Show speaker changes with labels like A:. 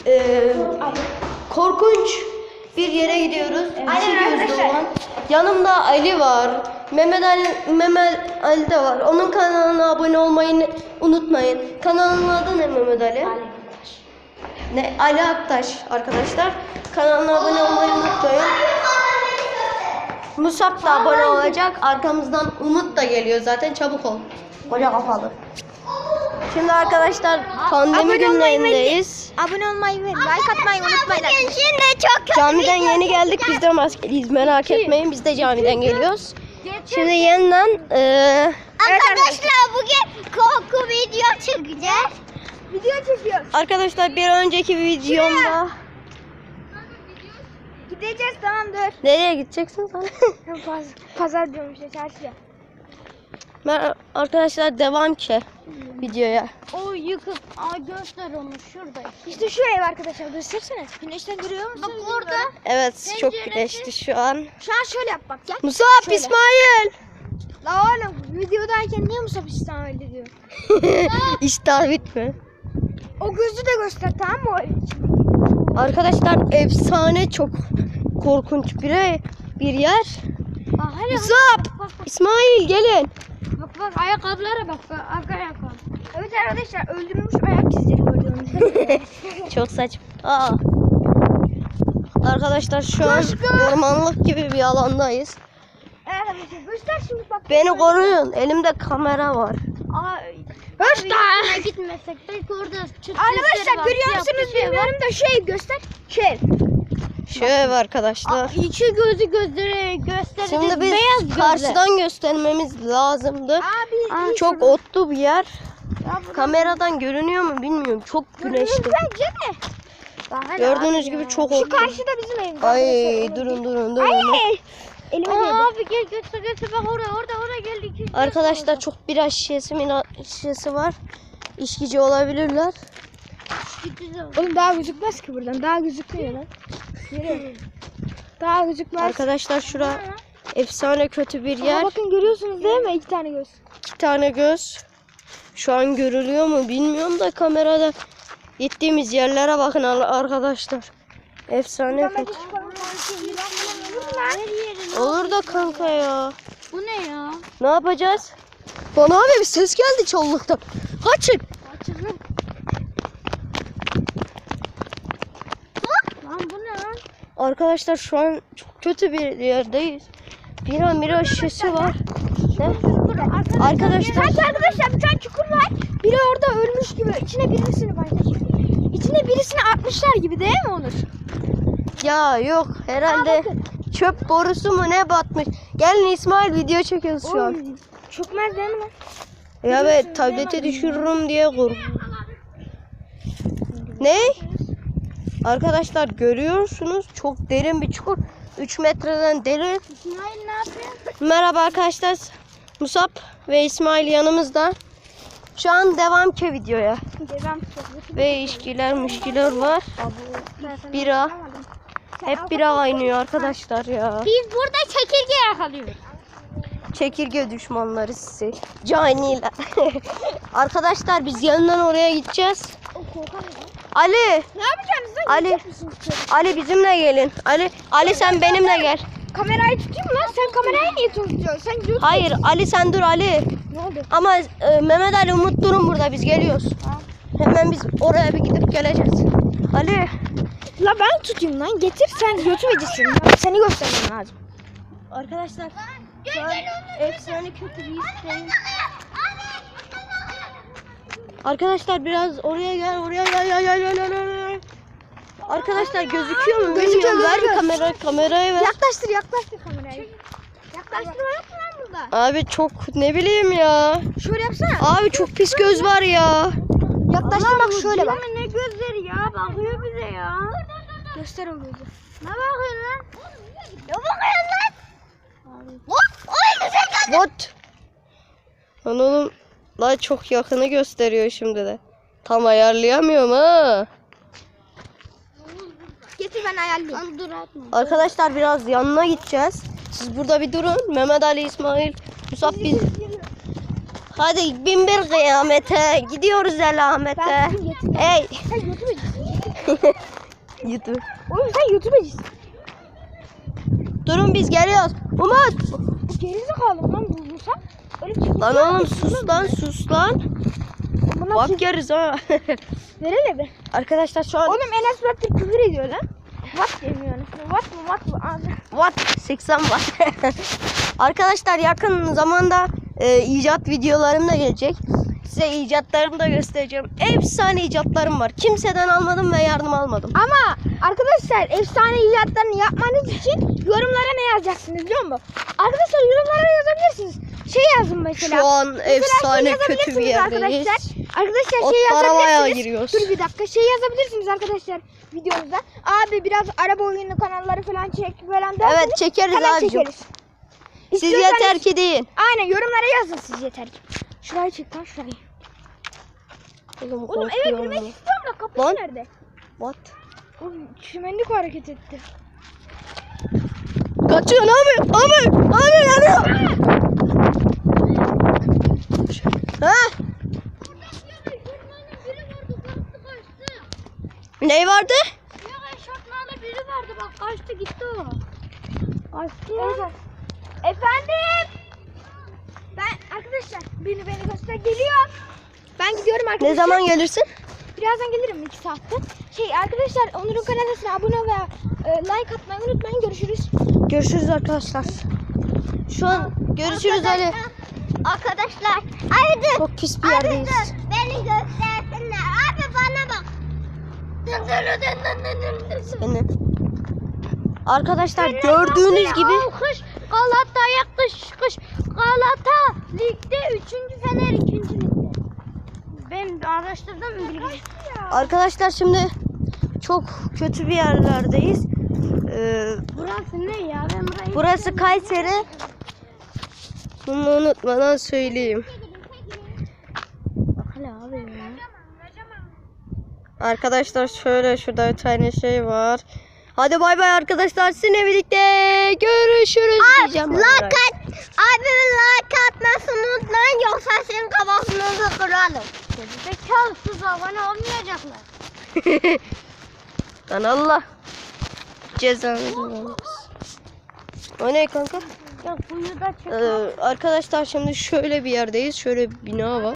A: korkunç bir yere gidiyoruz.
B: Aynen arkadaşlar.
A: Yanımda Ali var. Mehmet Ali de var. Onun kanalına abone olmayı unutmayın. Kanalının adı ne Mehmet Ali? Ne? Ali Aktaş arkadaşlar. Kanalına abone olmayı unutmayın. Musab da abone olacak. Arkamızdan Umut da geliyor zaten. Çabuk ol. Koca kafalı. Şimdi arkadaşlar pandemi günlerindeyiz.
B: Abone olmayı ve like atmayı unutmayın. Şimdi çok
A: Camiden yeni geldik. Biz de maskeliyiz. Merak etmeyin. Biz de camiden geliyoruz. Şimdi yeniden
B: arkadaşlar bugün korku video çekeceğiz. Video çekiyoruz.
A: arkadaşlar bir önceki videomda
B: Gideceğiz, tamamdır.
A: nereye gideceksin sen?
B: Pazar diyorum işte, çarşıya.
A: Arkadaşlar devam ki videoya.
B: O yıkık. Göster onu şurada. İşte şu ev arkadaşlar, göstersene. Güneşten görüyor musun? Bak orada.
A: Evet çok güneşli şu an.
B: Şu an şöyle yap bak. Gel.
A: Musab,
B: Şöyle.
A: İsmail.
B: La oğlum videodayken niye Musab İsmail diyor?
A: İştah bitme.
B: O gözü de göster, tamam mı?
A: Arkadaşlar efsane çok korkunç bir yer.
B: Hadi,
A: Musab, İsmail gelin.
B: bak ayakkabılara bak. Arka ayakkabı. Evet arkadaşlar, öldürülmüş ayak izleri gördüğünüz gibi.
A: Çok saçma. Arkadaşlar şu an ormanlık gibi bir alandayız.
B: Evet arkadaşlar, göster şimdi bak.
A: Beni koruyun. Elimde kamera var.
B: Göster. Gitmesek belki orada arkadaşlar görüyor musunuz bilmiyorum da şey göster.
A: Şu ev arkadaşlar.
B: İki gözü gösterdi.
A: Şimdi biz karşıdan göstermemiz lazımdı.
B: Abi
A: Çok otlu bir yer. Kameradan görünüyor mu bilmiyorum. Çok güneşli.
B: bence de.
A: Gördüğünüz gibi çok
B: Şu
A: otlu.
B: karşıda bizim evimiz.
A: Ay durun.
B: Ay. Elime değdi. Abi gel göster bak orada geldik.
A: Arkadaşlar çok bira şişesi var. İçkici olabilirler.
B: Oğlum daha gözükmez ki buradan. Daha gözükmüyor lan. Yürü. Daha gözükmez.
A: Arkadaşlar şura efsane kötü bir yer.
B: Bakın görüyorsunuz değil mi? 2 tane göz.
A: 2 tane göz. Şu an görülüyor mu bilmiyorum da kamerada gittiğimiz yerlere bakın arkadaşlar. Efsane kötü. Olur da kanka ya.
B: Bu ne ya?
A: Ne yapacağız? Bana abi bir ses geldi çolluktan. Kaçın.
B: Lan bu ne lan?
A: Arkadaşlar şu an çok kötü bir yerdeyiz. Bira şişesi var. Ne? Arkadaşlar.
B: Arkadaşlar bir tane çukur var. Biri orada ölmüş gibi. İçine birisini atmışlar gibi değil mi Onur?
A: Ya yok herhalde çöp borusu mu ne batmış. Gelin İsmail video çekiyoruz şu an.
B: Çökmez değil mi lan?
A: Ya evet tableti düşürürüm diye kork. Ne? Arkadaşlar görüyorsunuz çok derin bir çukur. 3 metreden derin.
B: İsmail ne yapıyor?
A: Merhaba arkadaşlar. Musab ve İsmail yanımızda. Şu an devam ki videoya. Ve işkiler var. Bira. Hep bira kaynıyor arkadaşlar ya.
B: Biz burada çekirge yakalıyoruz.
A: Çekirge düşmanları sizi. Caniler. Arkadaşlar biz yanından oraya gideceğiz. Ali.
B: Ne yapacaksınız lan?
A: Ali. Ali bizimle gelin. Ali sen benimle gel.
B: Kamerayı tutayım mı lan? Sen kamerayı niye tutuyorsun? Sen gidiyorsun.
A: Hayır Ali sen dur Ali.
B: Ne oldu?
A: Ama Mehmet Ali Umut durun burada biz geliyoruz. Hemen biz oraya bir gidip geleceğiz. Ali.
B: La ben tutayım lan. Getir sen götüreceksin. Seni göstermem lazım.
A: Arkadaşlar şu an efsane kötü bir hisseyim. Arkadaşlar biraz oraya gel. Arkadaşlar gözüküyor mu? Bilmiyorum. Ver bir kamerayı ver.
B: Yaklaştır kamerayı. Yaklaştırma yok mu lan burada?
A: Abi çok ne bileyim ya.
B: Şöyle yapsana.
A: Abi çok pis göz var ya.
B: Yaklaştır bak şöyle bak.
C: Ne gözleri ya, bakıyor bize ya.
B: Göster o gözü.
C: Ne bakıyorsun lan?
B: Ne bakıyorsun lan?
A: What? Lan oğlum la çok yakını gösteriyor şimdi de. Tam ayarlayamıyorum ha.
B: Getir ben ayarlayayım.
C: Dur atma.
A: Arkadaşlar biraz yanına gideceğiz. Siz burada bir durun. Mehmet Ali, İsmail, Musab biz. Hadi bin bir kıyamete. Gidiyoruz elamete. Hey.
B: Sen götüreceksin.
A: YouTube.
B: Oğlum sen YouTube'cısın.
A: Durun biz geliyoruz. Umut.
B: Gerizekalı lan bulursa. Öyle çekil.
A: Lan oğlum sus lan.
B: Buna
A: Bak yeriz ha.
B: Verelim be.
A: Arkadaşlar şu an
B: Oğlum Enes Batur küfür ediyor lan. What demiyor anasını. What mı? Abi.
A: What? 80 Watt. Arkadaşlar yakın zamanda icat videolarım da gelecek. Size icatlarımı da göstereceğim. Efsane icatlarım var. Kimseden almadım ve yardım almadım.
B: Ama arkadaşlar efsane icatlarını yapmanız için yorumlara ne yazacaksınız biliyor musun? Arkadaşlar yorumlara yazabilirsiniz. Şey yazın mesela.
A: Şu an
B: Mesela
A: efsane kötü bir
B: yazabilirsiniz
A: yerdeyiz.
B: Arkadaşlar
A: Ot
B: şey
A: aramaya
B: yazabilirsiniz.
A: giriyoruz.
B: Dur bir dakika şey yazabilirsiniz arkadaşlar videomuzda. Abi biraz araba oyunu kanalları falan çek falan derseniz
A: Evet çekeriz
B: hemen
A: abicim.
B: çekeriz.
A: Siz
B: İstiyorsanız-
A: yeter ki deyin.
B: Aynen yorumlara yazın siz yeter ki. Şurayı çek lan şurayı.
A: Oğlum,
B: Oğlum eve
A: korkuyorum
B: girmek
A: ya.
B: istiyorum da kapı
A: Lan.
B: nerede?
A: What?
B: Oğlum çimenlik hareket etti.
A: Kaçıyor abi. Abi yanıyor. Ha? Ne vardı?
C: Yok eşofmanlı biri vardı bak kaçtı gitti o.
B: Kaçtı ya. Efendim? Ben arkadaşlar beni göster geliyor. Ben gidiyorum arkadaşlar.
A: Ne zaman gelirsin?
B: Birazdan gelirim 2 saatte. Şey arkadaşlar Onur'un kanalına abone ol ve like atmayı unutmayın. Görüşürüz.
A: Görüşürüz arkadaşlar. Şu an görüşürüz Ali.
C: Arkadaşlar abi dur.
A: Çok pis bir yerdeyiz.
C: Beni göstersinler. Abi bana bak.
A: Seni. Arkadaşlar gördüğünüz gibi
C: Alkış Galata'ya kış. Galata ligde 3. Fener 2. ligde. Ben araştırdım bilgi.
A: arkadaşlar şimdi çok kötü bir yerlerdeyiz.
C: Burası ne ya? Ben burayı
A: Burası Kayseri. Bunu unutmadan söyleyeyim.
C: Hala abi ya.
A: Arkadaşlar şöyle şurada bir tane şey var. Hadi bay bay arkadaşlar. Sizinle birlikte görüşürüz diyeceğim.
C: Abi like atmasını unutmayın yoksa senin kafasını kırarım. Zekalısız abone olmayacaklar.
A: Lan Allah. Cezanı versin. O ne kanka?
C: Ya suyu da çek.
A: Arkadaşlar şimdi şöyle bir yerdeyiz. Şöyle bir bina var.